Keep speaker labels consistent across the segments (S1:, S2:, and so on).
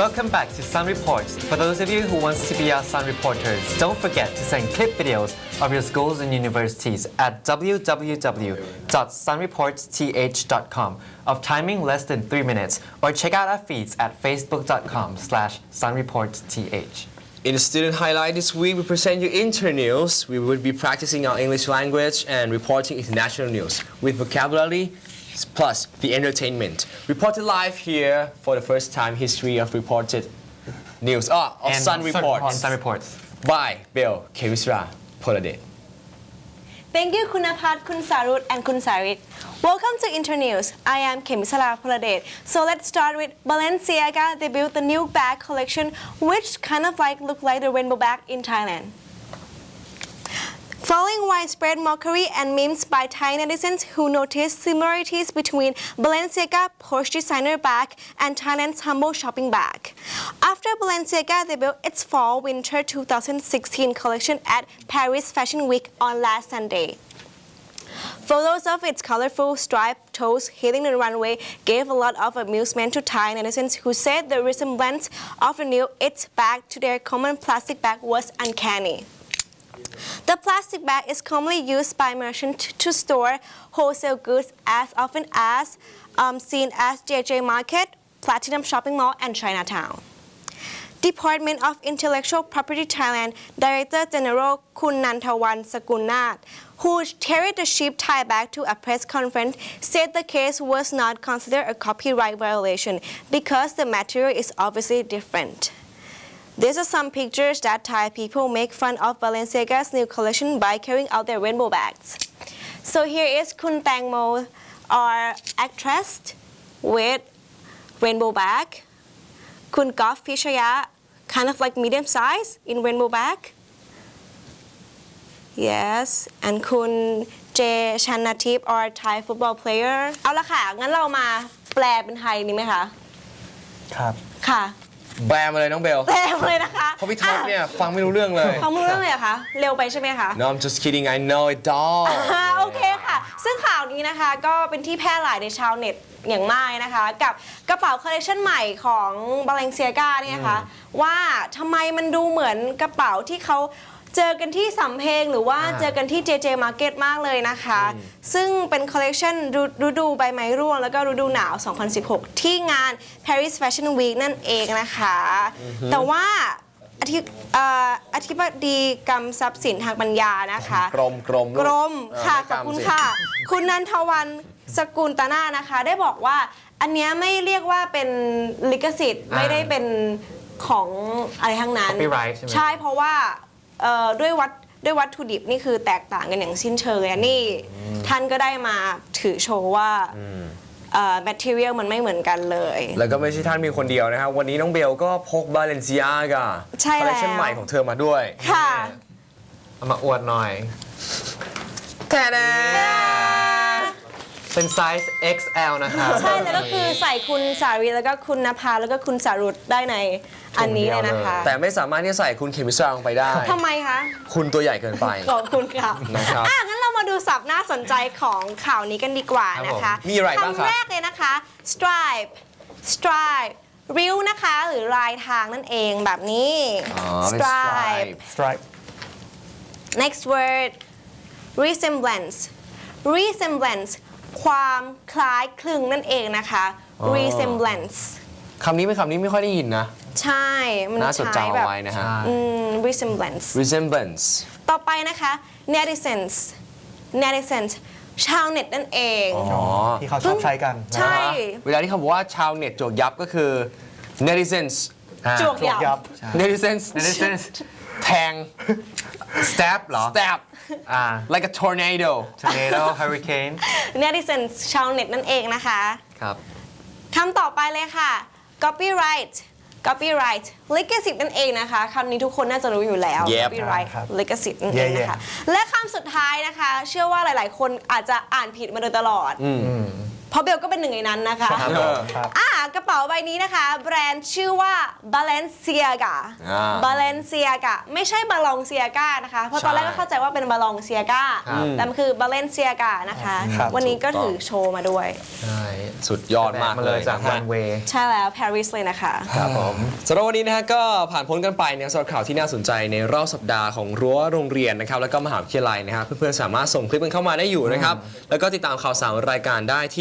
S1: Welcome back to Sun Reports. For those of you who want to be our Sun Reporters, don't forget to send clip videos of your schools and universities at www.sunreportsth.com of timing less than 3 minutes, or check out our feeds at facebook.com/sunreportsth.
S2: In the student highlight this week, we present you internews. We will be practicing our English language and reporting international news with vocabulary plus the entertainment. Reported live here for the first time history of reported news of Sun Reports.
S1: Sun Reports.
S2: By Bill Kevisra Poladet.
S3: Thank you คุณณภัทร คุณสารุต and คุณสาริต Welcome to Internews. I am Kemisara Poladet. So let's start with Balenciaga debuted the new bag collection, which kind of look like the rainbow bag in Thailand. Following widespread mockery and memes by Thai netizens who noticed similarities between Balenciaga Porsche designer bag and Thailand's humble shopping bag. After Balenciaga debuted its fall-winter 2016 collection at Paris Fashion Week on last Sunday. Photos of its colorful striped toes hitting the runway gave a lot of amusement to Thai netizens who said the resemblance of the new It bag to their common plastic bag was uncanny. The plastic bag is commonly used by merchants to store wholesale goods as often as seen as JJ Market, Platinum Shopping Mall, and Chinatown. Department of Intellectual Property Thailand Director General Kun Nantawan Sakunnath, who carried the cheap Thai bag to a press conference, said the case was not considered a copyright violation because the material is obviously different. These are some pictures that Thai people make fun of Balenciaga's new collection by carrying out their rainbow bags. So here is Kun Tangmo, our actress with rainbow bag. Kun Goff Pichaya, kind of like medium size in rainbow bag. Yes, and Kun J Channatip, our Thai football player. เอาละค่ะ งั้นเรามาแปลเป็นไทยนี่ไหมคะ
S1: ครับ
S3: ค่ะ
S2: แบมาเลยน้องเบล
S3: แปลมาเลยนะคะ
S2: เพราะพี่ท็อปเนี่ยฟังไม่รู้เรื่องเลย
S3: ฟังไม่รู้เรื่องเลยเหรอคะ เร็วไปใช่ไหมคะ
S2: No I'm just kidding I know it all
S3: โอเคค่ะ ซึ่งข่าวนี้นะคะก็เป็นที่แพร่หลายในชาวเน็ตอย่างมากนะคะ กับกระเป๋าคอลเลคชันใหม่ของ Balenciaga เนี่ยนะคะว่าทำไมมันดูเหมือนกระเป๋าที่เขาเจอกันที่สำเพ็งหรือว่าเจอกันที่ JJ Market มากเลยนะคะ ซึ่งเป็นคอลเลคชันฤดูใบไม้ร่วงแล้วก็ฤดูหนาว 2016 ที่งาน Paris Fashion Week นั่นเองนะคะ แต่ว่าอธิบดีกรรมทรัพย์สินทางปัญญานะคะกรมค่ะขอบคุณค่ะ คุณนันทวันสกุลตนานะคะได้บอกว่าอันเนี้ยไม่เรียกว่าเป็นลิขสิทธิ์ไม่ได้เป็นของอะไรทั้งนั้น
S1: Copyright ใช่ไหม
S3: ใช่เพราะว่าด้วยวัตถุดิบนี่คือแตกต่างกันอย่างสิ้นเชิงเลยนี่ท่านก็ได้มาถือโชว์ว่าmaterial มันไม่เหมือนกันเลย
S2: แล้วก็ไม่ใช่ท่านมีคนเดียวนะครับวันนี้น้องเบลก็พก Balenciaga
S3: ใช่
S2: คอล
S3: แล้
S2: เลคชัน
S3: ว
S2: ใหม่ของเธอมาด้วย
S3: ค่ะ
S1: เอามาอวดหน่อย
S2: แค่นั้น
S1: เป็นไซส์ XL นะครับ
S3: ใช่แล้วก็คือใส่คุณสารีแล้วก็คุณนภาแล้วก็คุณสารุตได้ในอันนี้เลยนะคะ
S2: แต่ไม่สามารถที่จะใส่คุณเคมิสราลงไปได้
S3: ทำไมคะ
S2: คุณตัวใหญ่เกินไป
S3: ขอบคุณค่ะ
S2: นะครับ
S3: งั้นเรามาดูศัพท์น่าสนใจของข่าวนี้กันดีกว่านะคะ
S2: ครับผมมีอะไรบ้างครับ
S3: คำแรกเลยนะคะ stripeริ้วนะคะหรือลายทางนั่นเองแบบนี้
S2: เป็น stripe
S1: Stripe
S3: next word resemblance ความคล้ายคลึงนั่นเองนะคะ resemblance
S2: คำนี้เป็นคำนี้ไม่ค่อยได้ยินนะ
S3: ใช่ มัน
S2: น่าจด
S3: ใช้
S2: จำ
S3: แบ
S2: เอา
S3: บ
S2: ไว้นะฮะ
S3: resemblance
S2: resemblance
S3: ต่อไปนะคะ netizens ชาวเน็ตนั่นเอง
S1: ที่เขาชอบใช้กัน
S3: ใช่
S2: เวลาที่เขาบอกว่าชาวเน็ตจวกยับก็คือ netizens
S3: จวกยับ
S2: netizens แทง
S1: Stab เหรอ
S2: stab like a tornado
S1: Tornado Hurricane
S3: netizens ชาวเน็ตนั่นเองนะคะ
S1: ครับ
S3: คำต่อไปเลยค่ะ copyright ลิขสิทธิ์นั่นเองนะคะคำนี้ทุกคนน่าจะรู้อยู่แล้ว
S2: Yep
S3: copyright
S1: ครับ
S3: ลิขสิทธิ์นั่นเองนะคะ และคำสุดท้ายนะคะ เชื่อว่าหลายๆ คนอาจจะอ่านผิดมาโดยตลอดเพราะเบลก็เป็นหนึ่งในนั้นนะคะ
S1: ครับผม
S3: กระเป๋าใบนี้นะคะ แบรนด์ชื่อว่า Balenciaga Balenciaga ไม่ใช่ Balenciaga นะคะเพราะตอนแรกก็เข้าใจว่าเป็น Balenciaga แต่มันคือ Balenciaga นะคะ วันนี้ก็ถือโชว์มาด้วย
S2: ใช่สุดยอดมากเลย
S1: จากรันเวย์
S3: ใช่แล้วปารีสเลยนะคะ
S1: ครับผม
S2: สำหรับวันนี้นะฮะก็ผ่านพ้นกันไปเนี่ยสำหรับข่าวที่น่าสนใจในรอบสัปดาห์ของรั้วโรงเรียนนะครับแล้วก็มหาวิทยาลัยนะครับเพื่อนๆสามารถส่งคลิปกันเข้ามาได้อยู่นะครับแล้วก็ติดตามข่าวสารรายการได้ที่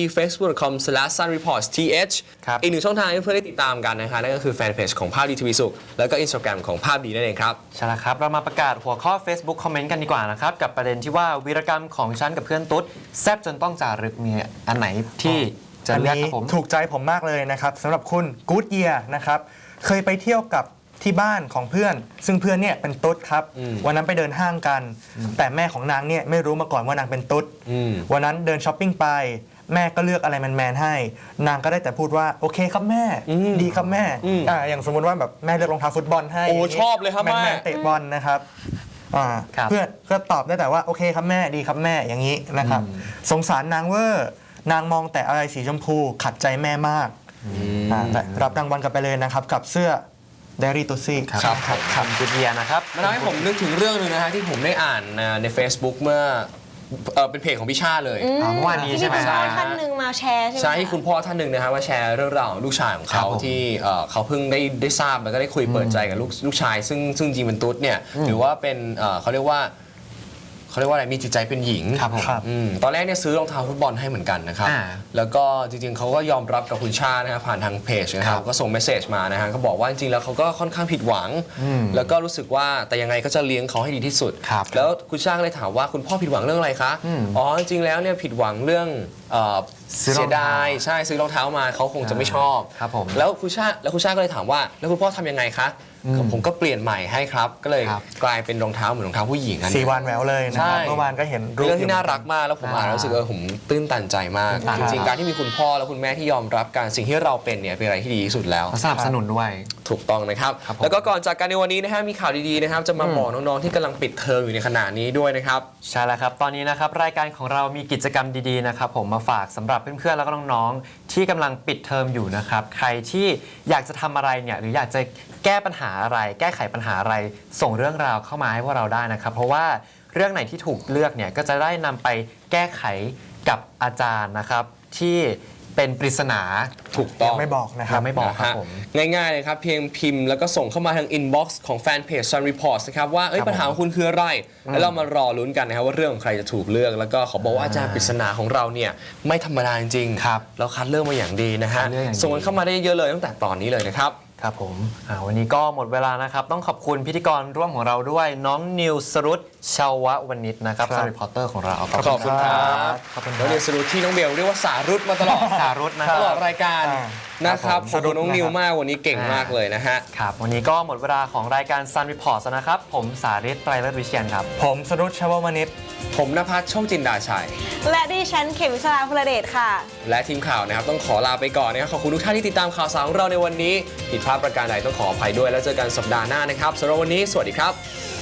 S2: facebook.com/sunreportsth
S1: ครับ
S2: อีกหนึ่งช่องทางให้เพื่อนๆได้ติดตามกันนะคะนั่นก็คือแฟนเพจของภาพดีทีวีสุขแล้วก็ Instagram ของภาพดีนั่นเองครับ
S1: ใช่แล้วครับ เรามาประกาศหัวข้อ Facebook คอมเมนต์กันดีกว่านะครับ กับประเด็นที่ว่าวีรกรรมของฉันกับเพื่อนตุ๊ดแซบจนต้องจารึกมีอันไหนที่จะ
S4: อัน
S1: เลือก
S4: นี้
S1: ครับผม
S4: ถูกใจผมมากเลยนะครับสำหรับคุณกู๊ดเยียนะครับเคยไปเที่ยวกับที่บ้านของเพื่อน ซึ่งเพื่อนเนี่ยเป็นตุ๊ดครับวันนั้นไปเดินห้างกัน แต่แม่ของนางเนี่ยไม่รู้มาก่อนว่านางเป็นตุ๊ดวันนั้นเดินช้อปปิ้งไปแม่ก็เลือกอะไรแมนๆให้ นางก็ได้แต่พูดว่าโอเคครับแม่ดีครับแม่อย่างสมมติว่าแบบแม่เลือกรองเท้าฟุตบอลให้
S2: โอ้ชอบเลยครับแม่
S4: แมนๆเตะบอลนะครับ
S1: ครับ
S4: เพื่อนก็ตอบได้แต่ว่าโอเคครับแม่ดีครับแม่อย่างนี้นะครับสงสารนางเวอร์นางมองแต่อะไรสีชมพูขัดใจแม่มากแต่รับรางวัลกันไปเลยนะครับกับเสื้อเดรี่ตุซี่
S1: ครับคำจุดเยียนะครับ
S2: มันทำให้ผมนึกถึงเรื่องหนึงนะฮะที่ผมได้อ่านใน Facebook เมื่อเป็นเพจของพี่ชาเลย
S1: เมื่อวานนี้ใช่ไหม
S3: ที่คุณพ่อท่านหนึ่งมาแชร์ใช่ไหม
S2: ใช่ที่คุณพ่อท่านหนึ่งนะฮะว่าแชร์เรื่องราวของลูกชายของ
S1: ครั
S2: เขา
S1: บผม
S2: ที่เขาเพิ่งได้ทราบแล้วก็ได้คุยเปิดใจกับลูกชาย ซึ่งจริงเป็นตุ๊ดเนี่ยหรือว่าเป็นเขาเรียกว่าอะไรมีจิตใจเป็นหญิง
S1: ครับผม
S2: ตอนแรกเนี่ยซื้อรองเท้าฟุตบอลให้เหมือนกันนะครับ แล้วก็จริงๆเขาก็ยอมรับกับคุณชานะครับผ่านทางเพจนะครับก็ส่งเมสเซจมานะฮะก็บอกว่าจริงๆแล้วเขาก็ค่อนข้างผิดหวัง แล้วก็รู้สึกว่าแต่ยังไงก็จะเลี้ยงเขาให้ดีที่สุด
S1: ครับ
S2: แล้วคุณชาก็เลยถามว่าคุณพ่อผิดหวังเรื่องอะไรคะอ๋อจริงๆแล้วเนี่ยผิดหวังเรื่อง
S1: ซื้อรองเท้า
S2: เสียดายใช่ซื้อรองเท้ามาเขาคงจะไม่ชอบ
S1: ครับผม
S2: แล้วคุณชาก็เลยถามว่าแล้วคุณพ่อทำยังไงคะผมก็เปลี่ยนใหม่ให้ครับก็เลย
S1: ครับ
S2: กลายเป็นรองเท้าเหมือนรองเท้าผู้หญิงอัน
S4: สี
S2: นี้
S4: วานแหววเลยนะครับ
S2: ใช่
S4: เมื่อวานก็เห็น
S2: เป็นเรื่องที่น่ารัก
S4: อยู่
S2: มากแล้วผมอ่านแล้วรู้สึกผมตื้นตันใจมาก
S1: ตื้นตัน
S2: จริงๆการที่มีคุณพ่อและคุณแม่ที่ยอมรับการสิ่งที่เราเป็นเนี่ยเป็นอะไรที่ดีที่สุดแล้ว
S1: เขาสนับสนุนด้วย
S2: ถูกต้องนะครับ
S1: ครับผม
S2: แล้วก็ก่อนจากกันในวันนี้นะฮะมีข่าวดีๆนะครับจะมาบอกน้องๆที่กำลังปิดเทอมอยู่ในขณะนี้ด้วยนะครับ
S1: ใช่แล้วครับ ตอนนี้นะครับรายการของเรามีกิจกรรมดีๆนะครับผมมาฝากสำหรับเพื่อนๆแล้วก็น้องๆที่กำลังปิดเทอมอยู่นะครับใครที่อยากจะทำอะไรเนี่ยหรืออยากจะแก้ปัญหาอะไร แก้ไขปัญหาอะไรส่งเรื่องราวเข้ามาให้พวกเราได้นะครับเพราะว่าเรื่องไหนที่ถูกเลือกเนี่ยก็จะได้นำไปแก้ไขกับอาจารย์นะครับที่เป็นปริศนา
S2: ถูกต้อง
S4: ไม่บอกนะครับ
S1: ยังไม่บอกครับผม
S2: ง่ายๆเลยครับเพียงพิมพ์แล้วก็ส่งเข้ามาทางอินบ็อกซ์ของแฟนเพจ Sun Reports นะครับว่า
S1: ครับ
S2: ปัญหาของคุณคืออะไร แล้วเรามารอลุ้นกันนะครับว่าเรื่องของใครจะถูกเลือก แล้วก็ขอบอกว่าอาจารย์ปริศนาของเราเนี่ยไม่ธรรมดาจริงๆ
S1: ครับ
S2: เราคัดเลือกมาอย่างดีนะฮะ
S1: คัดเลือกอย่างดี
S2: ส่งกันเข้ามาได้เยอะเลยตั้งแต่ตอนนี้เลยนะครับ
S1: ครับผมวันนี้ก็หมดเวลานะครับ ต้องขอบคุณพิธีกรร่วมของเราด้วยน้องนิวสรุตชาววณิชนะครับ
S4: ครับ
S1: สรีพอร์เตอร์ของเรา
S2: ขอบคุณครับ
S1: ขอบคุณค
S2: แล้
S1: รั
S2: ว
S1: บ
S2: เรียนสรุปที่น้องเบลเรียกว่าสารุตมาตลอด
S1: สารุตนะค
S2: ต
S1: รับ
S2: ลอดรายการนะครับ
S4: ครับผม
S2: ขอบคุณน้องนิว
S4: สรุปนะครับ
S2: มากวันนี้เก่งมากเลยนะฮะ
S1: ครับวันนี้ก็หมดเวลาของรายการ Sun Report แล้วนะครับ ผมสาริตไตรเลิศวิเชียนครับ
S4: ผมสรุปชววณิช
S2: ผมณภัสโชคจินดาชัย
S3: และดิฉันเขมิสราพลเดชค่ะ
S2: และทีมข่าวนะครับต้องขอลาไปก่อนนะครับขอบคุณทุกท่านที่ติดตามข่าวสารของเราในวันนี้ผิดพลาดประการใดต้องขออภัยด้วยแล้วเจอกันสัปดาห์หน้านะครับสำหรับวันนี้สวัสดีครับ